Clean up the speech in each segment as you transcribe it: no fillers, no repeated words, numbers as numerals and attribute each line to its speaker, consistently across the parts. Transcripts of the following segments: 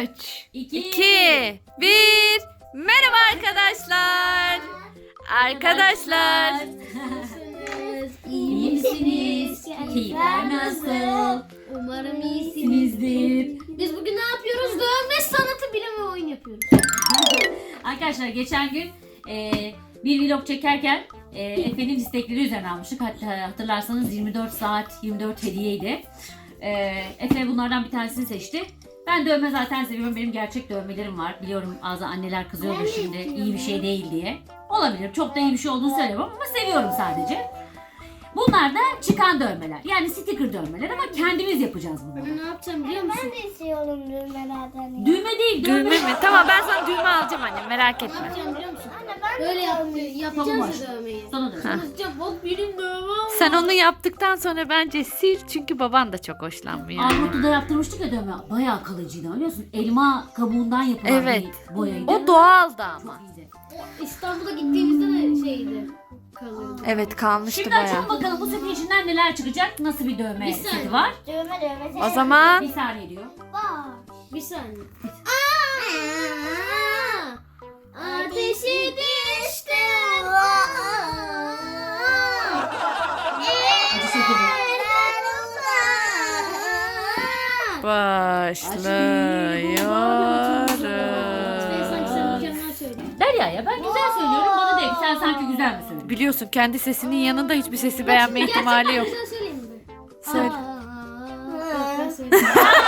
Speaker 1: 3, 2, 1. Merhaba arkadaşlar. Arkadaşlar.
Speaker 2: İyi misiniz? Keyifler nasıl?
Speaker 3: Umarım iyisinizdir.
Speaker 2: İyisinizdir.
Speaker 3: Biz bugün ne yapıyoruz? Dövme sanatı bilimi oyun yapıyoruz.
Speaker 2: Arkadaşlar geçen gün bir vlog çekerken Efe'nin istekleri üzerine almıştık. Hatta hatırlarsanız 24 saat 24 hediyeydi. Efe bunlardan bir tanesini seçti. Ben dövme zaten seviyorum. Benim gerçek dövmelerim var. Biliyorum bazı anneler kızıyordur şimdi iyi bir şey değil diye. Olabilir. Çok da iyi bir şey olduğunu söylemiyorum ama seviyorum sadece. Bunlar da çıkan dövmeler. Yani sticker dövmeler ama kendimiz yapacağız bunları.
Speaker 3: Ben ne yapacağım biliyor musun?
Speaker 4: Ben de istiyorum düğmelerden.
Speaker 2: Düğme değil, dövme.
Speaker 1: Düğme mi? Tamam ben sana düğme alacağım anne merak
Speaker 3: Ne
Speaker 1: etme.
Speaker 3: yapacağım biliyor musun?
Speaker 4: Anne ben de
Speaker 3: Böyle
Speaker 4: istiyorum.
Speaker 3: yapacağız
Speaker 2: Tamam,
Speaker 3: ya dövmeyi.
Speaker 2: Sana da.
Speaker 3: Hızlıca bak benim dövmem var.
Speaker 1: Sen onu yaptıktan sonra bence sil çünkü baban da çok hoşlanmıyor.
Speaker 2: Armutlu'da yaptırmıştık ya dövme. Bayağı kalıcıydı biliyorsun. Elma kabuğundan yapılan
Speaker 1: Evet.
Speaker 2: bir boyaydı.
Speaker 1: O doğaldı ama.
Speaker 2: Çok iyiydi.
Speaker 3: İstanbul'a gittiğimizde de şeydi. Kalıyordu.
Speaker 1: Evet kalmıştı
Speaker 2: Şimdi açalım
Speaker 1: bayağı.
Speaker 2: bakalım bu setin içinden neler çıkacak. Nasıl bir dövme
Speaker 3: Bir
Speaker 2: seti
Speaker 3: saniye.
Speaker 2: var.
Speaker 4: Düğme.
Speaker 1: O zaman
Speaker 2: Bir saniye diyor.
Speaker 4: Var.
Speaker 3: Bir saniye. Ateşi düştü.
Speaker 2: Acı şekeri.
Speaker 3: Sanki sen
Speaker 1: başlıyoruz.
Speaker 3: mükemmel söyledin.
Speaker 2: Derya ya ben güzel söylüyorum. Bana değil sen sanki güzel mi söylüyorsun?
Speaker 1: Biliyorsun kendi sesinin yanında hiçbir sesi beğenme ihtimali yok.
Speaker 3: Gerçekten güzel söyleyeyim mi?
Speaker 1: Söyle.
Speaker 3: Ben söyleyeyim.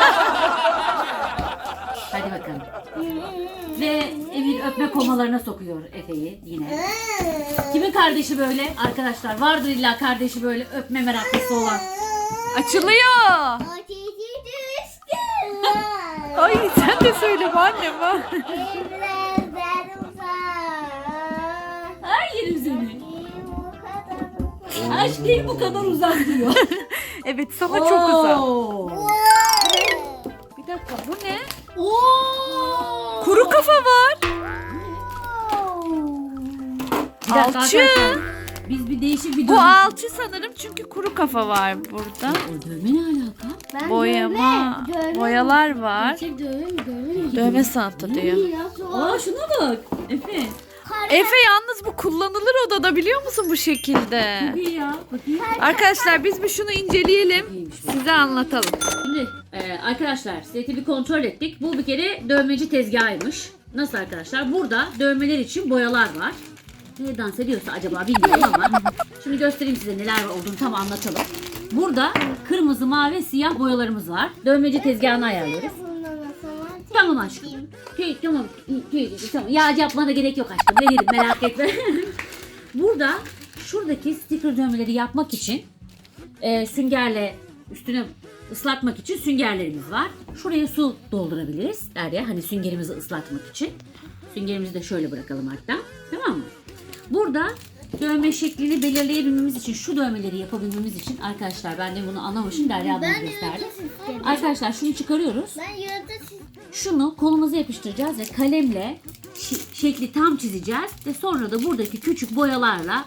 Speaker 2: Hadi bakalım. Ve Emir öpme komalarına sokuyor Efe'yi yine. Kimin kardeşi böyle? Arkadaşlar vardır illa kardeşi böyle öpme meraklısı olan.
Speaker 1: Açılıyor.
Speaker 4: Ateşi düştü.
Speaker 1: Ay sen de söyle bu annem ha.
Speaker 4: Evlerden uzak.
Speaker 2: Ay yerim seni.
Speaker 4: Bu kadar.
Speaker 2: Aşk değil bu kadar uzak diyor.
Speaker 1: Evet sana çok uzak.
Speaker 2: Oo.
Speaker 1: Bir dakika bu ne?
Speaker 3: Oo!
Speaker 1: Kuru kafa var.
Speaker 2: Bir dakika
Speaker 1: Alçı.
Speaker 2: arkadaşlar, biz bir değişik bir
Speaker 1: Bu
Speaker 2: dövme-
Speaker 1: alçı sanırım çünkü kuru kafa var burada.
Speaker 2: O dövme ne alaka?
Speaker 4: Ben
Speaker 1: Boyama,
Speaker 4: dövme.
Speaker 1: boyalar var.
Speaker 3: Gerçek dövme mi? Dövme mi?
Speaker 1: Dövme sanatı diyor.
Speaker 2: Aa şuna bak. Efe.
Speaker 1: Efe yalnız bu kullanılır odada biliyor musun bu şekilde?
Speaker 2: İyi ya. Bakayım.
Speaker 1: Arkadaşlar biz bir şunu inceleyelim.
Speaker 2: İyiymiş bu.
Speaker 1: Size anlatalım.
Speaker 2: Şimdi arkadaşlar seti bir kontrol ettik. Bu bir kere dövmeci tezgahıymış. Nasıl arkadaşlar? Burada dövmeler için boyalar var. Ne dans ediyorsa acaba bilmiyorum ama. Şimdi göstereyim size neler olduğunu tam anlatalım. Burada kırmızı, mavi, siyah boyalarımız var. Dövmeci tezgahını ayarlıyoruz. Tamam aşkım. Tamam. Tamam. Yağcı yapmana gerek yok aşkım. Veririm merak etme. Burada şuradaki sticker dövmeleri yapmak için süngerle üstüne ıslatmak için süngerlerimiz var. Şuraya su doldurabiliriz Derya. Hani süngerimizi ıslatmak için. Süngerimizi de şöyle bırakalım hatta. Tamam mı? Burada dövme şeklini belirleyebilmemiz için, şu dövmeleri yapabilmemiz için arkadaşlar ben de bunu anlamışım Derya ablamı gösterdim. Arkadaşlar şunu çıkarıyoruz.
Speaker 4: Ben yıldız
Speaker 2: Şunu kolumuza yapıştıracağız ve kalemle şekli tam çizeceğiz ve sonra da buradaki küçük boyalarla,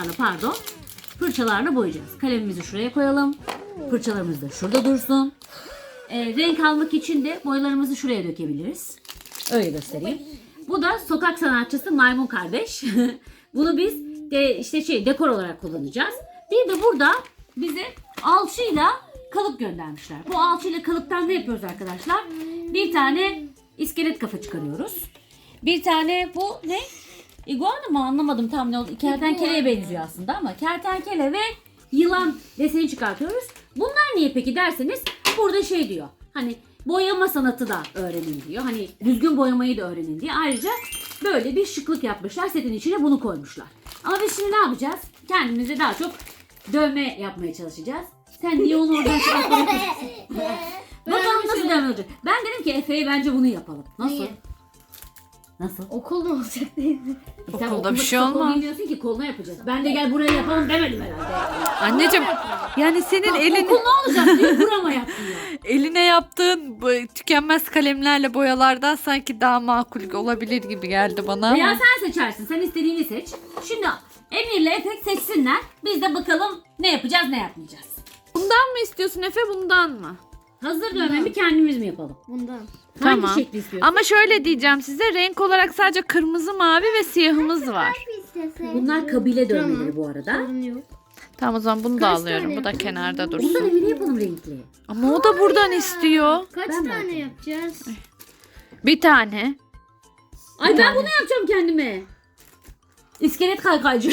Speaker 2: fırçalarla boyayacağız. Kalemimizi şuraya koyalım. Fırçalarımız da şurada dursun. Renk almak için de boyalarımızı şuraya dökebiliriz. Öyle göstereyim. Bu da sokak sanatçısı Maymun Kardeş. Bunu biz dekor olarak kullanacağız. Bir de burada bize alçıyla kalıp göndermişler. Bu alçıyla kalıptan ne yapıyoruz arkadaşlar? Bir tane iskelet kafa çıkarıyoruz. Bir tane bu ne? İguana mı anlamadım tam ne oldu. Kertenkeleye benziyor aslında ama kertenkele ve yılan deseni çıkartıyoruz. Bunlar niye peki derseniz burada şey diyor. Hani boyama sanatı da öğrenin diyor. Hani düzgün boyamayı da öğrenin diye. Ayrıca böyle bir şıklık yapmışlar. Setin içine bunu koymuşlar. Ama biz şimdi ne yapacağız? Kendimize daha çok dövme yapmaya çalışacağız. Sen niye onu oradan çıkartmaya çalışıyorsun? Bakalım nasıl dövme olacak. Ben dedim ki Efe'ye bence bunu yapalım. Nasıl?
Speaker 3: Neyi?
Speaker 2: Nasıl?
Speaker 3: Okul mu olacak değil mi?
Speaker 2: Sen
Speaker 1: Okulda
Speaker 2: okulda
Speaker 1: bir şey
Speaker 2: kısa kol
Speaker 1: olmaz.
Speaker 2: giymiyorsun ki koluna yapacağız. Ben de gel buraya yapalım demedim herhalde.
Speaker 1: Anneciğim yani senin
Speaker 2: Okul ne olacak diye burama yaptın ya.
Speaker 1: eline yaptığın bu tükenmez kalemlerle boyalardan sanki daha makul olabilir gibi geldi bana
Speaker 2: Veya
Speaker 1: ama.
Speaker 2: sen seçersin. Sen istediğini seç. Şimdi Emir'le Efe seçsinler. Biz de bakalım ne yapacağız ne yapmayacağız.
Speaker 1: Bundan mı istiyorsun Efe bundan mı?
Speaker 2: Hazır dövmemi kendimiz mi yapalım?
Speaker 3: Bundan.
Speaker 1: Tamam.
Speaker 2: Hangi şekli istiyorsun?
Speaker 1: Ama şöyle diyeceğim size, renk olarak sadece kırmızı, mavi ve siyahımız var.
Speaker 2: Bunlar kabile dövmeleri
Speaker 3: Tamam.
Speaker 2: bu arada.
Speaker 3: Sorun yok.
Speaker 1: Tamam, o zaman bunu da
Speaker 3: Kaç
Speaker 1: alıyorum.
Speaker 3: tane
Speaker 1: Bu da
Speaker 3: yapalım?
Speaker 1: kenarda
Speaker 2: Bundan
Speaker 1: dursun.
Speaker 2: evini yapalım renkli.
Speaker 1: Ama o da buradan istiyor.
Speaker 3: Kaç
Speaker 2: Ben de
Speaker 3: tane
Speaker 2: yapayım.
Speaker 3: yapacağız?
Speaker 1: Bir tane.
Speaker 2: Ay ben bunu yapacağım kendime. İskelet kaykaycı.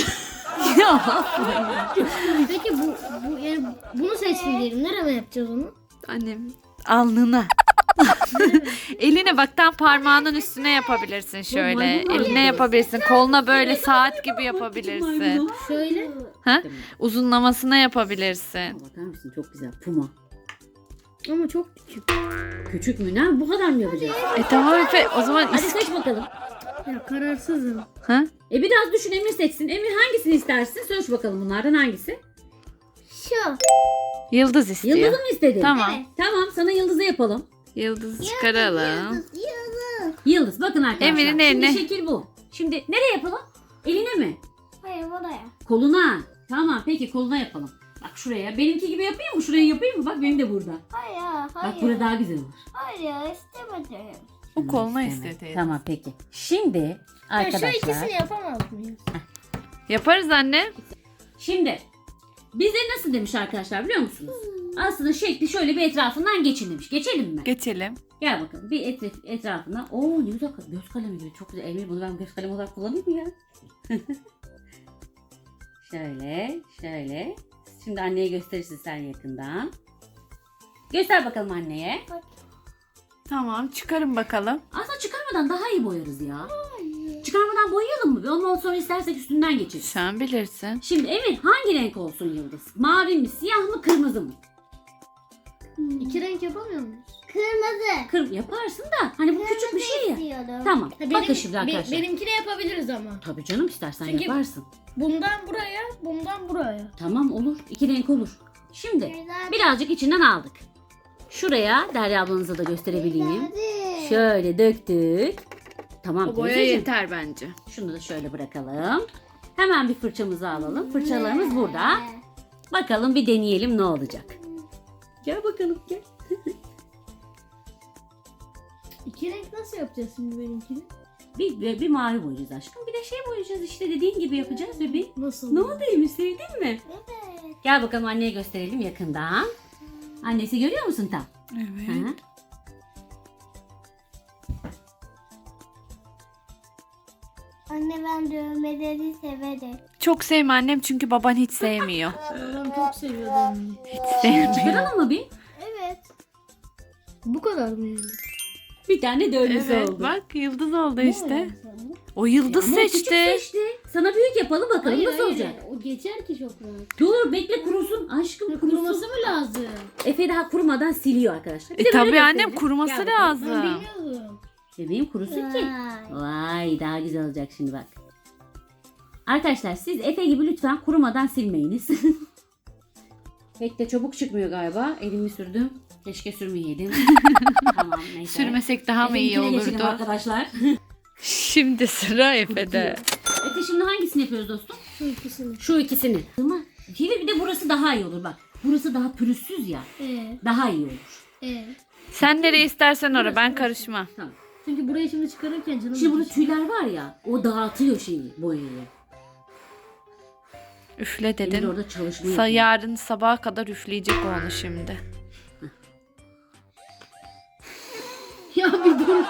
Speaker 3: Peki bu yani bunu seçsin diyelim. Nereye yapacağız onu?
Speaker 1: Annem alnına. Eline bak, tam parmağının üstüne yapabilirsin şöyle.
Speaker 2: maymun var
Speaker 1: Eline
Speaker 2: ya.
Speaker 1: yapabilirsin. Koluna böyle saat gibi yapabilirsin.
Speaker 3: Şöyle.
Speaker 1: Ha? Uzunlamasına yapabilirsin.
Speaker 2: Bakar mısın çok güzel. Puma.
Speaker 3: Ama çok küçük.
Speaker 2: Küçük mü? Ne? Bu kadar mı yapacağız?
Speaker 1: Tamam Efe, o zaman
Speaker 2: Hadi seç bakalım.
Speaker 3: Ya kararsızım.
Speaker 1: Ha?
Speaker 2: Biraz düşün, Emir seçsin. Emir hangisini istersin? Söyle bakalım bunlardan hangisi?
Speaker 4: Şu.
Speaker 1: Yıldız istiyor.
Speaker 2: Yıldızı mı istedin?
Speaker 1: Tamam.
Speaker 2: Tamam, sana yıldızı yapalım.
Speaker 1: Yıldız çıkaralım.
Speaker 4: Yıldız.
Speaker 2: Yıldız bakın arkadaşlar.
Speaker 1: Emir'in eline.
Speaker 2: Şimdi şekil bu. Şimdi nereye yapalım? Eline mi?
Speaker 4: Hayır buraya.
Speaker 2: Koluna. Tamam peki koluna yapalım. Bak şuraya. Benimki gibi yapayım mı? Şuraya yapayım mı? Bak benim de burada.
Speaker 4: Hayır.
Speaker 2: Bak burada daha güzel olur.
Speaker 4: Hayır istemedim.
Speaker 1: O koluna
Speaker 2: İstemem.
Speaker 1: istedi.
Speaker 2: Tamam peki. Şimdi
Speaker 3: Şu
Speaker 2: arkadaşlar.
Speaker 3: ikisini yapamaz mıyız?
Speaker 1: Yaparız anne.
Speaker 2: Şimdi bize nasıl demiş arkadaşlar biliyor musunuz? Aslında şekli şöyle bir etrafından geçin demiş. Geçelim mi?
Speaker 1: Geçelim.
Speaker 2: Gel bakalım bir etrafına. Oo ne güzel göz kalemi gibi. Çok güzel. Emir bunu ben göz kalemi olarak kullanayım mı ya? Şöyle. Şimdi anneye gösterirsin sen yakından. Göster bakalım anneye.
Speaker 1: Tamam, çıkarın bakalım.
Speaker 2: Aslında çıkarmadan daha iyi boyarız ya. Çıkarmadan boyayalım mı? Ondan sonra istersek üstünden geçeriz.
Speaker 1: Sen bilirsin.
Speaker 2: Şimdi Emir hangi renk olsun yıldız? Mavi mi, siyah mı, kırmızı mı?
Speaker 3: İki renk yapamıyor muyuz?
Speaker 4: Kırmızı.
Speaker 2: Yaparsın da hani bu küçük bir şey ya.
Speaker 4: İstiyorum.
Speaker 2: Tamam.
Speaker 3: Ha,
Speaker 2: Bakın şimdi arkadaşlar.
Speaker 3: benimkini yapabiliriz ama.
Speaker 2: Tabii canım istersen
Speaker 3: Çünkü-
Speaker 2: yaparsın.
Speaker 3: Bundan buraya, bundan buraya.
Speaker 2: Tamam olur. İki renk olur. Şimdi
Speaker 4: Güzel.
Speaker 2: birazcık içinden aldık. Şuraya Derya ablanıza da gösterebileyim.
Speaker 4: Hadi.
Speaker 2: Şöyle döktük. Tamam
Speaker 1: O boya
Speaker 2: teyzeciğim.
Speaker 1: yeter bence.
Speaker 2: Şunu da şöyle bırakalım. Hemen bir fırçamızı alalım. Fırçalarımız burada. Bakalım bir deneyelim ne olacak. Gel bakalım gel.
Speaker 3: İki renk nasıl yapacağız şimdi benimkini?
Speaker 2: Bir mavi boyayacağız aşkım. Bir de şey boyayacağız işte dediğin gibi yapacağız bebeğim.
Speaker 3: Nasıl?
Speaker 2: Ne oldu Emir sevdin mi?
Speaker 4: Evet.
Speaker 2: Gel bakalım anneye gösterelim yakından. Annesi görüyor musun tam?
Speaker 1: Evet.
Speaker 2: Hı hı.
Speaker 4: Anne ben dövmeleri severim.
Speaker 1: Çok sevme annem, çünkü baban hiç sevmiyor.
Speaker 3: Babam çok seviyor benim.
Speaker 1: Sevmiyor.
Speaker 2: Çıkaralım mı bir?
Speaker 4: Evet.
Speaker 3: Bu kadar mı yani?
Speaker 2: Bir tane dövmesi
Speaker 1: Evet,
Speaker 2: oldu.
Speaker 1: bak yıldız oldu işte.
Speaker 3: Ama
Speaker 1: O yıldız
Speaker 2: Ama o küçük
Speaker 1: seçti.
Speaker 2: seçti. Sana büyük yapalım bakalım
Speaker 3: hayır,
Speaker 2: nasıl
Speaker 3: hayır.
Speaker 2: olacak.
Speaker 3: O geçer ki çok rahat.
Speaker 2: Dur bekle kurusun aşkım kurusun.
Speaker 3: Kuruması mı lazım?
Speaker 2: Efe daha kurumadan siliyor arkadaşlar. Bir de böyle
Speaker 1: Tabii annem,
Speaker 2: gösterelim.
Speaker 1: kuruması
Speaker 2: Gel bakalım.
Speaker 1: lazım.
Speaker 3: Ben bilmiyordum.
Speaker 2: Bebeğim kurusun ki.
Speaker 4: Vay.
Speaker 2: Vay daha güzel olacak şimdi bak. Arkadaşlar siz Efe gibi lütfen kurumadan silmeyiniz. Pek de çabuk çıkmıyor galiba. Elimi sürdüm. Keşke sürmeyeydim. Tamam neyse.
Speaker 1: Sürmesek daha mı iyi
Speaker 2: Efe'ninkine geçelim
Speaker 1: olurdu?
Speaker 2: arkadaşlar.
Speaker 1: Şimdi sıra Efe'de.
Speaker 2: Efe şimdi hangisini yapıyoruz dostum?
Speaker 3: Şu ikisini.
Speaker 2: Şu ikisini. Ama bir de burası daha iyi olur bak. Burası daha pürüzsüz ya. Daha iyi olur.
Speaker 1: Sen nereye istersen oraya, ben karışmam.
Speaker 2: Tamam.
Speaker 3: Çünkü burayı şimdi çıkarırken canım
Speaker 2: Şimdi burada
Speaker 3: acıyor.
Speaker 2: tüyler var ya. O dağıtıyor şeyi boyayı.
Speaker 1: Üfle
Speaker 2: Emir
Speaker 1: dedim.
Speaker 2: orada çalışma yapıyor.
Speaker 1: Yarın sabaha kadar üfleyecek o onu şimdi.
Speaker 3: Ya bir dur.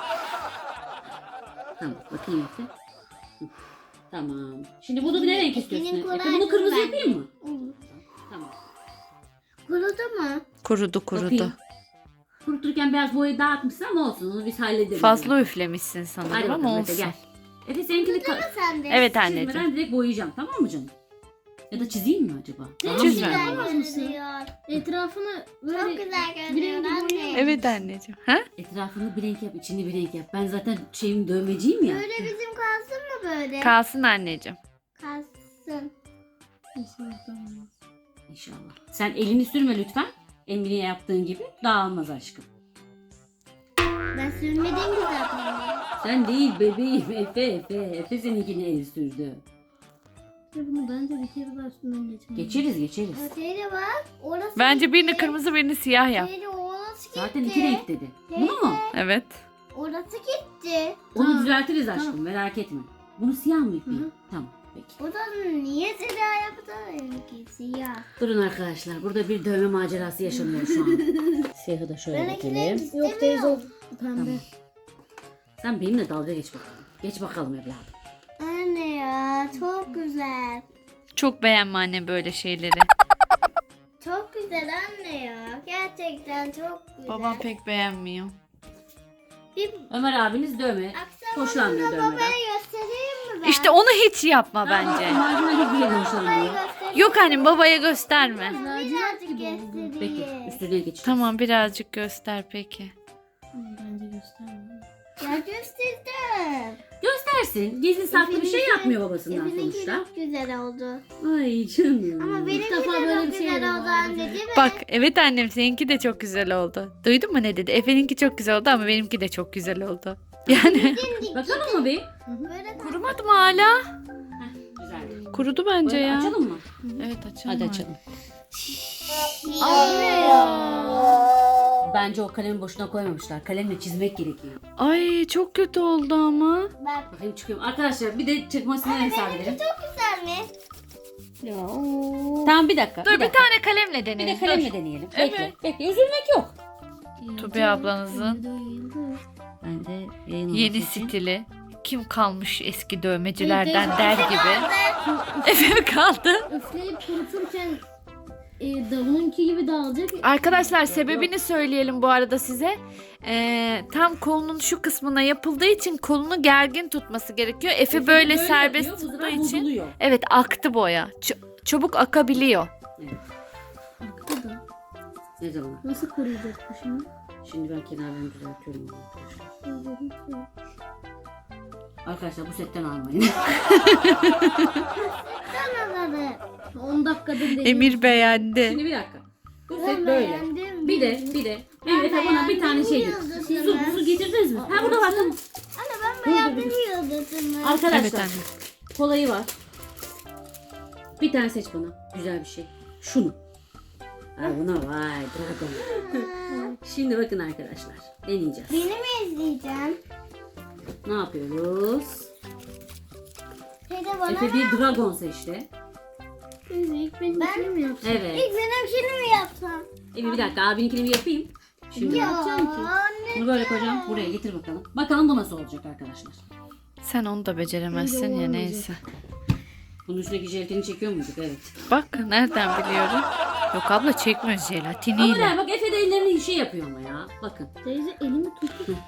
Speaker 2: Tamam bakayım Efe. Hı, tamam. Şimdi bunu bir ne renk istiyorsun?
Speaker 4: Benim
Speaker 2: Efe?
Speaker 4: kolay
Speaker 2: Bunu kırmızı
Speaker 4: ben.
Speaker 2: yapayım mı? Tamam.
Speaker 4: Kurudu mu?
Speaker 1: Kurudu kurudu.
Speaker 2: Bakayım. Kuruturken biraz boyayı dağıtmışsın ama olsun onu biz hallederiz.
Speaker 1: Fazla üflemişsin
Speaker 2: Hadi
Speaker 1: sanırım
Speaker 2: bakalım
Speaker 1: ama
Speaker 2: Efe
Speaker 1: olsun.
Speaker 2: gel. Efe seninkini
Speaker 4: Sen de.
Speaker 1: Evet anneciğim.
Speaker 2: çizmeden direkt boyayacağım tamam mı canım? Ya da çizeyim mi acaba? Daha mı
Speaker 1: Çizme.
Speaker 2: güzel?
Speaker 3: Yapamaz mısın?
Speaker 4: görünüyor.
Speaker 3: Etrafını böyle
Speaker 4: Çok güzel
Speaker 3: bir
Speaker 4: görünüyor
Speaker 3: rengi
Speaker 4: anne.
Speaker 3: boyayalım.
Speaker 1: Evet anneciğim. Ha?
Speaker 2: Etrafını bir renk yap, içini bir renk yap. Ben zaten şeyim dövmeciyim ya.
Speaker 4: Böyle bizim kalsın mı böyle?
Speaker 1: Kalsın anneciğim.
Speaker 4: Kalsın.
Speaker 2: İnşallah. Sen elini sürme lütfen. Emine yaptığın gibi dağılmaz aşkım.
Speaker 4: Ben sürmedim ki zaten.
Speaker 2: Sen değil bebeğim Efe. Efe seninkini el sürdü.
Speaker 3: Bunu bence bir kere daha üstünden geçelim.
Speaker 2: Geçeriz.
Speaker 4: Öteye bak. Orası
Speaker 1: Bence birini
Speaker 4: yeşil.
Speaker 1: kırmızı birini siyah yap.
Speaker 4: Öteye o
Speaker 2: Zaten iki renk dedi. Bunu mu?
Speaker 1: Evet.
Speaker 4: Orası gitti.
Speaker 2: Onu düzeltiriz aşkım, merak etme. Bunu siyah mı yükleyeyim? Tamam, peki.
Speaker 4: O da niye siyah yaptı? Benimki siyah.
Speaker 2: Durun arkadaşlar, burada bir dövme macerası yaşanıyor şu an. Siyahı da şöyle
Speaker 4: Benimki renk
Speaker 2: dökelim.
Speaker 4: istemiyor.
Speaker 3: Yok teyze o pembe.
Speaker 2: Sen benimle dalga geç bakalım. Geç bakalım evladım.
Speaker 4: Anne ya çok güzel.
Speaker 1: Çok beğenme anne böyle şeyleri.
Speaker 4: Çok güzel anne ya. Gerçekten çok güzel.
Speaker 1: Babam pek beğenmiyor.
Speaker 4: Bir
Speaker 2: Ömer abiniz dövme.
Speaker 4: akşam
Speaker 2: Hoşlanmıyor
Speaker 4: onu
Speaker 2: dövmeden.
Speaker 4: babaya göstereyim mi ben?
Speaker 1: İşte onu hiç yapma bence.
Speaker 2: Marjinal hiçbir yerden
Speaker 4: babaya
Speaker 2: hoşlanmıyor.
Speaker 4: göstereyim.
Speaker 1: Yok annem babaya gösterme.
Speaker 4: Birazcık
Speaker 2: Peki,
Speaker 4: göstereyim.
Speaker 2: üstüne geçeceğiz.
Speaker 1: Tamam birazcık göster peki.
Speaker 3: Bence göstermiyor.
Speaker 4: Ya gösterdim.
Speaker 2: Göstersin. Gizli saklı bir şey yapmıyor babasından
Speaker 4: Benimki
Speaker 2: sonuçta.
Speaker 4: çok güzel oldu.
Speaker 2: Ay canım.
Speaker 4: Ama benimki de
Speaker 3: defa böyle
Speaker 4: çok
Speaker 3: bir şey
Speaker 4: güzel
Speaker 3: yedim
Speaker 4: oldu
Speaker 3: bu
Speaker 4: anne
Speaker 3: arada.
Speaker 4: değil mi?
Speaker 1: Bak evet annem seninki de çok güzel oldu. Duydun mu ne dedi? Efe'ninki çok güzel oldu ama benimki de çok güzel oldu. Yani
Speaker 2: Bakalım mı bir?
Speaker 4: Böyle
Speaker 1: kurumadı mı hala?
Speaker 2: Güzel.
Speaker 1: Kurudu bence
Speaker 2: Böyle
Speaker 1: ya.
Speaker 2: açalım mı?
Speaker 1: Evet açalım.
Speaker 2: Hadi açalım.
Speaker 4: Aa.
Speaker 2: Bence o kalemi boşuna koymamışlar. Kalemle çizmek gerekiyor.
Speaker 1: Ay çok kötü oldu ama.
Speaker 4: Bak
Speaker 2: Bakayım çıkıyorum. Arkadaşlar bir de çıkmasını hesap edelim.
Speaker 4: çok güzel mi?
Speaker 3: Ya
Speaker 2: Tamam bir dakika.
Speaker 1: Dur bir
Speaker 2: dakika.
Speaker 1: tane kalemle
Speaker 2: Bir de
Speaker 1: deneyelim.
Speaker 2: kalemle deneyelim. Bekle.
Speaker 1: Evet.
Speaker 2: Bekle. Üzülmek yok.
Speaker 1: Tubi ablanızın
Speaker 2: Ben de yayın
Speaker 1: yeni
Speaker 2: olması için-
Speaker 1: stili. Kim kalmış eski dövmecilerden der gibi. Efe mi kaldı?
Speaker 3: üfleyip kuruturken davulunki gibi dağılacak.
Speaker 1: Arkadaşlar sebebini söyleyelim bu arada size. Tam kolunun şu kısmına yapıldığı için kolunu gergin tutması gerekiyor. Efe böyle serbest
Speaker 2: yapıyor, bu
Speaker 1: tuttuğu
Speaker 2: sefer
Speaker 1: için.
Speaker 2: bozuluyor.
Speaker 1: Evet aktı boya. Çabuk akabiliyor.
Speaker 3: Aktı da.
Speaker 2: Ne zaman?
Speaker 3: Nasıl koruyacak bu şimdi?
Speaker 2: Şimdi ben kenarlarını düzeltiyorum. Arkadaşlar bu setten almayın.
Speaker 4: Anladım.
Speaker 3: 10 dakikada değil.
Speaker 1: Emir beğendi.
Speaker 2: Şimdi bir dakika. Bu set
Speaker 4: Ben
Speaker 2: böyle.
Speaker 4: beğendim.
Speaker 2: Bir de Mehmet bana bir tane şey getir. Su getirdiniz mi? Ha burada var tamam.
Speaker 4: Anne ben beğendim yıldızımı.
Speaker 2: Arkadaşlar
Speaker 1: Evet anne.
Speaker 2: kolayı var. Bir tane seç bana. Güzel bir şey. Şunu. Ha buna vay dragon. Şimdi bakın arkadaşlar. Deneyeceğiz.
Speaker 4: Beni mi izleyeceksin?
Speaker 2: Ne yapıyoruz?
Speaker 4: Teyze bana
Speaker 2: Efe bir dragon seçti.
Speaker 3: İlk benimkini mi yapsın?
Speaker 2: Evet.
Speaker 4: İlk benimkini mi yapsam?
Speaker 2: Evi bir dakika abininkini bir yapayım. Şimdi
Speaker 4: Ya
Speaker 3: yapacağım ki?
Speaker 4: anne.
Speaker 2: bunu böyle koyacağım. Buraya getir bakalım. Bakalım bu nasıl olacak arkadaşlar.
Speaker 1: Sen onu da beceremezsin
Speaker 3: Bence
Speaker 1: ya
Speaker 3: olmayacak.
Speaker 1: neyse.
Speaker 2: Bunun üstündeki jelatini çekiyor muyduk? Evet.
Speaker 1: Bak nereden biliyorum? Yok abla çekmiyor
Speaker 2: Ama
Speaker 1: jelatiniyle.
Speaker 2: ne bak Efe de ellerini şey yapıyor ama ya. Bakın.
Speaker 3: Teyze elimi tut.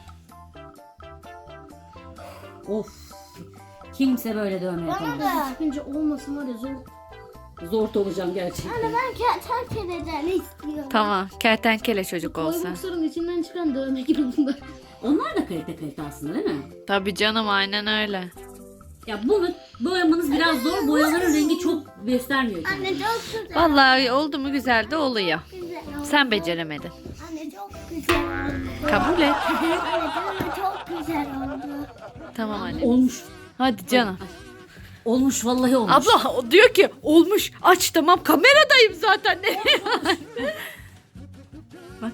Speaker 2: Of. Kimse böyle dövme
Speaker 4: Bana
Speaker 2: yapamaz.
Speaker 4: da.
Speaker 3: Çıkınca olmasın var ya zor.
Speaker 2: Zor olacağım gerçekten.
Speaker 4: Anne ben kertenkeleden istiyorum.
Speaker 1: Tamam kertenkele çocuk olsa.
Speaker 3: Toybox'ların içinden çıkan dövme gibi bunlar.
Speaker 2: Onlar da kalite aslında değil mi?
Speaker 1: Tabii canım aynen öyle.
Speaker 2: Ya bunu boyamanız biraz zor. Boyaların rengi çok göstermiyor kendini.
Speaker 4: Anne çok güzel.
Speaker 1: Vallahi oldu mu güzel de oluyor.
Speaker 4: Güzel oldu.
Speaker 1: Sen beceremedin.
Speaker 4: Anne çok güzel oldu.
Speaker 1: Kabul et.
Speaker 4: Anne canım çok güzel oldu.
Speaker 1: Tamam anne.
Speaker 2: Olmuş.
Speaker 1: Hadi canım.
Speaker 2: Olmuş vallahi olmuş.
Speaker 1: Abla o diyor ki olmuş aç tamam kameradayım zaten. Ne? Bak.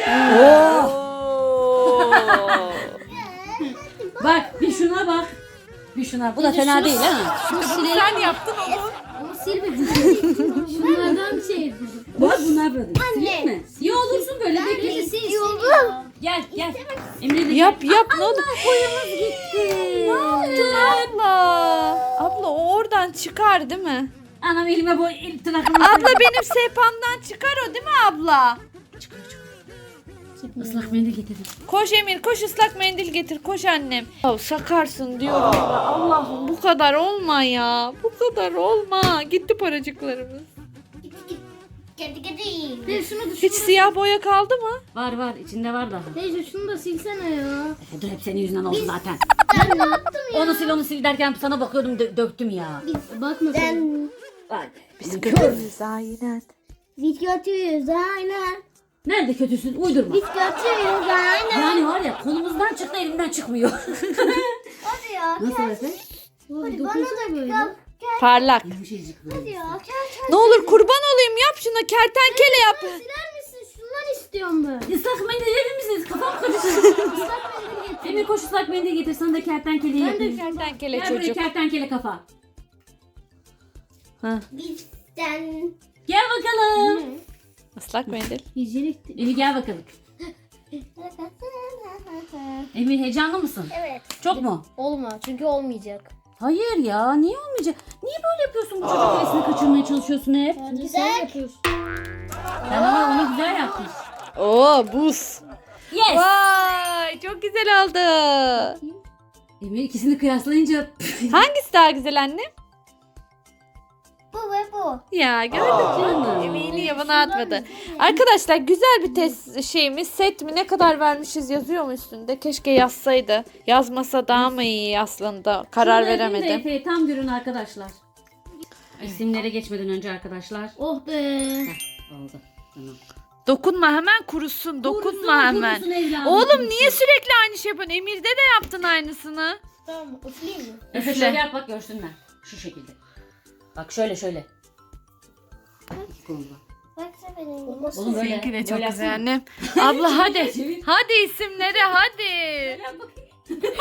Speaker 2: Bak bir şuna bak. Bir şuna. Bu da fena değil ha.
Speaker 1: Sen yaptın onu.
Speaker 3: Ama silmedin. Şunlardan şey yapacağım.
Speaker 2: Bak bunlar böyle.
Speaker 4: Anne.
Speaker 2: Sileyim mi? Ya olursun böyle bekle.
Speaker 4: İstiyorum.
Speaker 2: Gel gel. Emre de
Speaker 1: Yap ne olur.
Speaker 2: boyamız gitti.
Speaker 1: Ne yaptın abla? Abla o oradan çıkar değil mi?
Speaker 2: Anam elime boy tırnaklarımı.
Speaker 1: Abla benim sehpamdan çıkar o değil mi abla?
Speaker 2: Islak mendil getirdim.
Speaker 1: Koş Emir koş ıslak mendil getir koş annem. Ya sakarsın diyorum ya. Allah'ım bu kadar olma ya. Bu kadar olma. Gitti paracıklarımız.
Speaker 4: Gidi.
Speaker 3: Teyze şunu da
Speaker 1: Hiç siyah boya kaldı mı?
Speaker 2: Var var içinde var daha.
Speaker 3: Teyze şunu da silsene ya.
Speaker 2: Efe dur hep senin yüzünden oldu zaten.
Speaker 4: Ben ne yaptım ya?
Speaker 2: Onu sil derken sana bakıyordum döktüm ya.
Speaker 3: Bakma sen.
Speaker 4: Ben
Speaker 2: Bak bizim
Speaker 1: Kötüyüz aynen.
Speaker 4: biz kötüyüz aynen.
Speaker 2: Nerede kötüsün uydurma.
Speaker 4: Biz kötüyüz aynen.
Speaker 2: Yani var ya kolumuzdan çıktı elimden çıkmıyor.
Speaker 4: Hadi ya.
Speaker 2: Nasıl Efe?
Speaker 3: Hadi
Speaker 4: Bana
Speaker 3: dokunsana
Speaker 4: da
Speaker 3: böyle.
Speaker 1: Parlak.
Speaker 2: Yumuşacık böyle.
Speaker 4: Hadi ya.
Speaker 1: Ne olur kurban olayım yap şuna kertenkele yap.
Speaker 4: Siler misin? Şunlar istiyorum.
Speaker 3: istiyorum ben.
Speaker 2: Islak mendil verir misiniz? Kafam karıştı. Islak mendil getir. Emir koş ıslak mendil getir. Sana da kertenkele
Speaker 1: Ben de
Speaker 2: yapayım.
Speaker 1: kertenkele
Speaker 2: Gel buraya
Speaker 1: çocuk.
Speaker 2: kertenkele kafa.
Speaker 4: Bizden.
Speaker 2: Gel bakalım.
Speaker 1: Islak mendil.
Speaker 3: Hijyenik.
Speaker 2: Emir gel bakalım. Emir heyecanlı mısın?
Speaker 4: Evet.
Speaker 2: Çok mu?
Speaker 3: Olma çünkü olmayacak.
Speaker 2: Hayır ya, niye olmayacak? Niye böyle yapıyorsun, bu çocuk hevesini kaçırmaya çalışıyorsun hep?
Speaker 3: Bence sen yapıyorsun.
Speaker 2: Sen ama onu güzel yaptın.
Speaker 1: Oo buz.
Speaker 2: Yes!
Speaker 1: Vay çok güzel oldu.
Speaker 2: Emir ikisini kıyaslayınca
Speaker 1: Hangisi daha güzel anne?
Speaker 4: Bu ve bu.
Speaker 1: Ya gördün mü? Emeğini yabana atmadı. Arkadaşlar güzel bir test şeyimiz. Set mi ne kadar vermişiz yazıyor mu üstünde? Keşke yazsaydı. Yazmasa daha mı iyi aslında? Karar
Speaker 2: Şunu yapayım da
Speaker 1: veremedim.
Speaker 2: Efe'ye tam görün arkadaşlar. İsimlere geçmeden önce arkadaşlar.
Speaker 3: Oh be.
Speaker 2: Oldu. Tamam.
Speaker 1: Dokunma hemen kurusun. Dokunma
Speaker 2: Kurusun,
Speaker 1: hemen.
Speaker 2: kurusun evladım,
Speaker 1: Oğlum
Speaker 2: kurusun.
Speaker 1: niye sürekli aynı şey yapıyorsun? Emir'de de yaptın aynısını.
Speaker 3: Tamam üfleyeyim mi?
Speaker 2: Efe
Speaker 1: Üfle.
Speaker 2: şöyle yap bak görsünler. Şu şekilde. Bak şöyle şöyle.
Speaker 4: Baksana benim.
Speaker 3: Olmaz.
Speaker 2: Oğlum böyle.
Speaker 1: Seninki de çok
Speaker 2: böyle
Speaker 1: güzel
Speaker 2: yapsana.
Speaker 1: annem. Abla hadi.
Speaker 2: Çevir.
Speaker 1: Hadi isimleri hadi.
Speaker 2: Yap bakayım.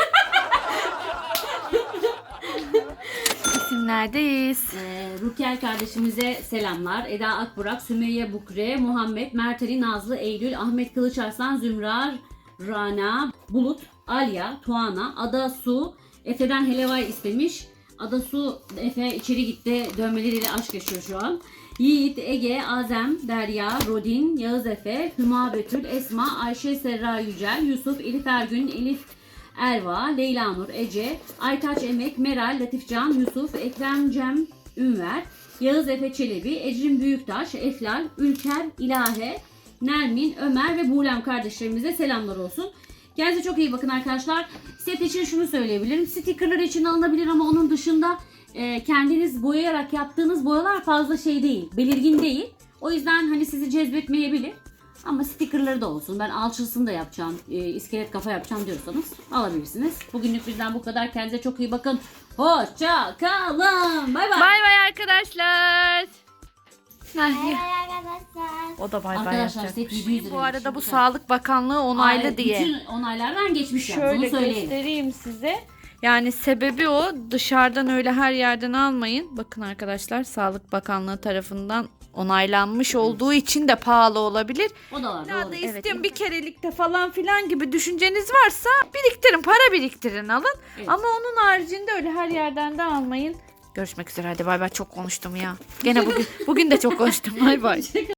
Speaker 1: İsimlerdeyiz.
Speaker 2: Rukiel kardeşimize selamlar. Eda Akburak, Sümeyye Bukre, Muhammed, Mert Ali, Nazlı, Eylül, Ahmet Kılıçarslan, Zümrar, Rana, Bulut, Alya, Tuana, Ada Su, Efe'den helevay istemiş. Ada Su, Efe içeri gitti. Dövmeleriyle aşk yaşıyor şu an. Yiğit, Ege, Azem, Derya, Rodin, Yağız Efe, Hüma Betül, Esma, Ayşe Serra Yücel, Yusuf, Elif Ergün, Elif Erva, Leyla Nur, Ece, Aytaç Emek, Meral, Latifcan, Yusuf, Ekrem Cem, Ünver, Yağız Efe Çelebi, Ecrin Büyüktaş, Eflal, Ülker, İlahe, Nermin, Ömer ve Buğlem kardeşlerimize selamlar olsun. Kendinize çok iyi bakın arkadaşlar. Set için şunu söyleyebilirim. Stickerlar için alınabilir ama onun dışında kendiniz boyayarak yaptığınız boyalar fazla şey değil, belirgin değil. O yüzden hani sizi cezbetmeyebilir. Ama stickerları da olsun. Ben alçısını da yapacağım, iskelet kafa yapacağım diyorsanız alabilirsiniz. Bugünlük bizden bu kadar. Kendinize çok iyi bakın. Hoşça kalın. Bay bay.
Speaker 1: Bay bay arkadaşlar.
Speaker 4: Bay bay arkadaşlar.
Speaker 1: O da bay bay
Speaker 2: Arkadaşlar
Speaker 1: yapacak.
Speaker 2: set 700 lira.
Speaker 1: Bu arada bu Sağlık Bakanlığı onaylı diye.
Speaker 2: Bütün onaylardan geçmiş yani.
Speaker 1: Şöyle
Speaker 2: Bunu söyleyelim.
Speaker 1: göstereyim size. Yani sebebi o. Dışarıdan öyle her yerden almayın. Bakın arkadaşlar Sağlık Bakanlığı tarafından onaylanmış olduğu için de pahalı olabilir.
Speaker 2: O da var.
Speaker 1: Ya
Speaker 2: Doğru.
Speaker 1: da
Speaker 2: Evet.
Speaker 1: istiyorum bir kerelikte falan filan gibi düşünceniz varsa biriktirin, para biriktirin alın.
Speaker 2: Evet.
Speaker 1: Ama onun haricinde öyle her yerden de almayın. Görüşmek üzere hadi bay bay, çok konuştum ya. Gene bugün de çok konuştum bay bay.